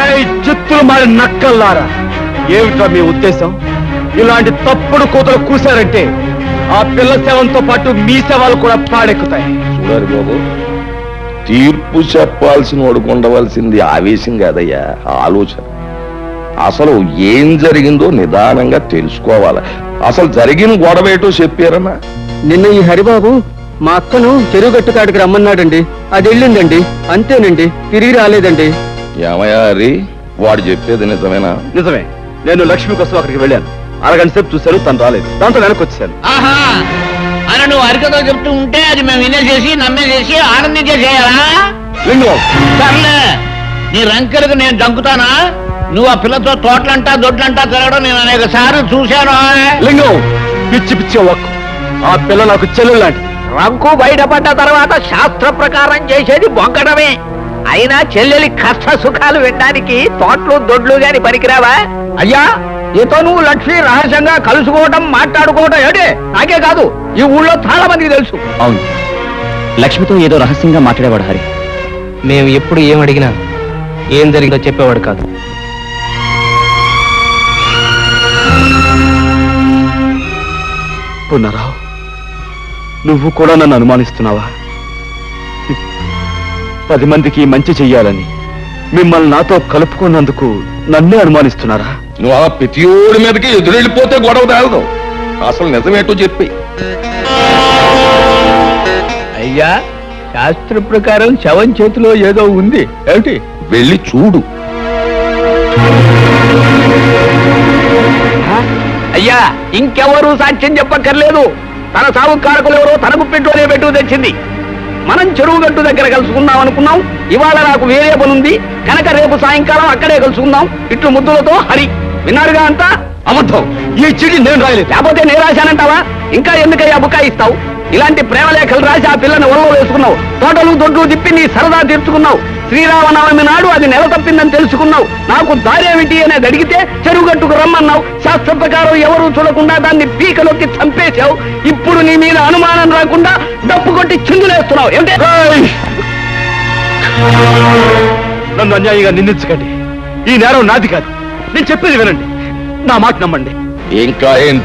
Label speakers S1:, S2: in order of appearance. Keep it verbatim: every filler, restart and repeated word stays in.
S1: చిత్తులు మారి నక్కల్లారా, ఏమిటా మీ ఉద్దేశం? ఇలాంటి తప్పుడు కూతలు కూశారంటే ఆ పిల్ల శవంతో పాటు మీ శవాలు కూడా పాడెక్కుతాయి.
S2: చూడాలి బాబు, తీర్పు చెప్పాల్సిన వాడుకు ఉండవలసింది ఆవేశం కాదయ్యా, ఆలోచన. అసలు ఏం జరిగిందో నిదానంగా తెలుసుకోవాలి. అసలు జరిగిన గొడవ ఏటో చెప్పారన్నా?
S1: నిన్న ఈ హరిబాబు మా అక్కను చెరువు గట్టు కాడికి రమ్మన్నాడండి. అది వెళ్ళిందండి, అంతేనండి, తిరిగి రాలేదండి.
S2: ఏమయ్యా హరి, వాడు చెప్పేది నిజమేనా?
S1: నిజమే. నేను లక్ష్మి కోసం అక్కడికి వెళ్ళాను. అరగంట సేపు చూశాను, తను రాలేదు. దాంతో వెనక్కి వచ్చాను.
S3: ఆహా అని నువ్వు అరికతో చెప్తూ ఉంటే అది మేము వినేసేసి నమ్మేసేసి ఆనందించేసేయాలా?
S1: లింగం,
S3: సర్లే, నీ రంకెలకు నేను దంకుతానా? నువ్వు ఆ పిల్లతో తోటలంటా దొడ్లంటా తిరగడం నేను అనేక సార్లు చూశాను.
S1: లింగం, పిచ్చి పిచ్చి ఒక్కు. ఆ పిల్ల నాకు చెల్లెలు లాంటి.
S3: రంకు బయటపడ్డ తర్వాత శాస్త్ర ప్రకారం చేసేది బొంకడమే. అయినా చెల్లెలి కష్ట సుఖాలు వినడానికి తోటలు దొడ్లు గాని పనికిరావా? అయ్యా, నీతో నువ్వు లక్ష్మి రహస్యంగా కలుసుకోవడం మాట్లాడుకోవడం ఏడే నాకే కాదు, ఈ ఊళ్ళో చాలా మందికి తెలుసు.
S1: అవును, లక్ష్మితో ఏదో రహస్యంగా మాట్లాడేవాడు హరి.
S4: మేము ఎప్పుడు ఏం అడిగినా ఏం జరిగిందో చెప్పేవాడు కాదు.
S1: పున్నారావు, నువ్వు కూడా నన్ను అనుమానిస్తున్నావా? పది మందికి మంచి చెయ్యాలని మిమ్మల్ని నాతో కలుపుకున్నందుకు నన్నే అనుమానిస్తున్నారా?
S2: నువ్వు ఆ ప్రతియోడి మీదకి ఎదురెళ్ళిపోతే గొడవ తేలదు. అసలు నిజమేటో చెప్పి.
S4: అయ్యా, శాస్త్ర ప్రకారం శవం చేతిలో ఏదో ఉంది ఏమిటి?
S2: వెళ్ళి చూడు.
S3: అయ్యా, ఇంకెవరూ సాక్ష్యం చెప్పక్కర్లేదు. తన సాగు కారకులు ఎవరో తనకు పెట్టుకునే పెట్టు తెచ్చింది. మనం చెరువు గట్టు దగ్గర కలుసుకుందాం అనుకున్నాం. ఇవాళ నాకు వేరే పనుంది కనుక రేపు సాయంకాలం అక్కడే కలుసుకుందాం. ఇట్లు ముద్దులతో హరి. విన్నారుగా అంతా?
S1: అబద్ధం. ఈ చిడి నేను రాయలేదు.
S3: లేకపోతే నేను రాశానంటావా? ఇంకా ఎందుకయ్యా బుకాయిస్తావు? ఇలాంటి ప్రేమ లేఖలు రాసి ఆ పిల్లని ఒళ్ళో వేసుకున్నావు. తోటలు దొడ్లు తిప్పి నీ సరదా తీర్చుకున్నావు. శ్రీరామనవమి నాడు అది నెల తప్పిందని తెలుసుకున్నావు. నాకు దారేమిటి అనేది అడిగితే చెరువుగట్టుకు రమ్మన్నావు. శాస్త్ర ప్రకారం ఎవరూ చూడకుండా దాన్ని పీకలోకి చంపేశావు. ఇప్పుడు నీ మీద అనుమానం రాకుండా డప్పు కొట్టి చిందులేస్తున్నావు. ఏమిటి?
S1: నన్ను అన్యాయంగా నిందించకండి. ఈ నేరం నాది కాదు. నేను చెప్పేది వినండి, నా మాట నమ్మండి.
S2: ఇంకా ఏం